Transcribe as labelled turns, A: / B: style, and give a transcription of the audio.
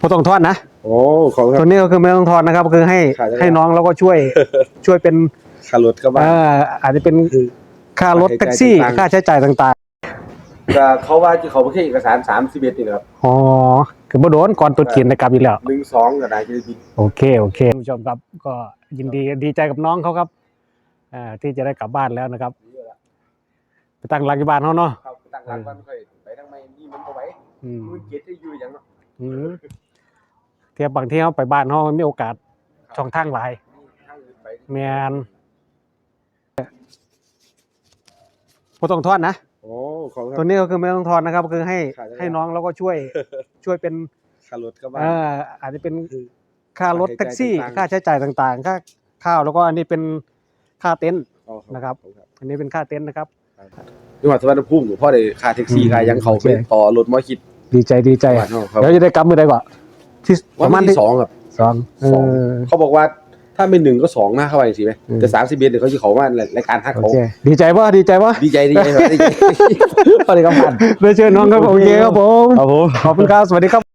A: ไม่ต้องทอนนะ
B: โอ้ของ
A: ตัวนี้ก็คือไม่ต้องทอนนะครับคือให้น้องแล้วก็ช่วยเป็น
B: ค่ารถก็บ้าง
A: อาจจะเป็นค่ารถแท็กซี่ค่าใช้จ่ายต่าง
B: ๆเขาว่าที่เขาไม่ใช่เอกสาร31นี่นะครับ
A: อ๋อคือบ่โดนก่อนตัวจีนนะครับอีกแล้ว
B: 12ก็ได้จะบิน
A: โอเคผู้ชมครับก็ยินดีใจกับน้องเขาครับที่จะได้กลับบ้านแล้วนะครับไปตั้งหลักที่บ้านเขาเนาะ
B: ตั้งหลักบ้านค่อยไปทั้งไม่นี่มันก็ไหวมันเก็ตได้อยู่อย่างเนาะ
A: เทียบบางที่เขาไปบ้านเขามีโอกาสช่องทางหลายแมนไม่ต้องทอนนะ
B: โอ้ของ
A: ตัวนี้ก็คือไม่ต้องทอนนะครับคือให้น้องแล้วก็ช่วยเป็น
B: ค่ารถก็บ้าง
A: อาจจะเป็นค่ารถแท็กซี่ค่าใช้จ่ายต่างๆค่าข้าวแล้วก็อันนี้เป็นค่าเต็นท์นะครับอันนี้เป็นค่าเต็นท์นะครับ
B: จังหวัดสุวรรณภูมิพ่อได้ค่าแท็กซี่ค่ายังเขาไปต่อรถมอคิด
A: ดีใจเดี๋ยวจะได้กลับมือได้ก่อนที่
B: ประมาณที่2ครับ2เขาบอกว่าถ้าเป็น1ก็2นะเข้าไปสิไหมแต่31เนี่ยเขาจะเขาว่ารายการฮักเขา
A: ดีใจป่ะ
B: ดีใจ
A: พอดีครับผ่านได้เชิญน้องครับโอเคครับผมขอบคุณครับสวัสดีครับ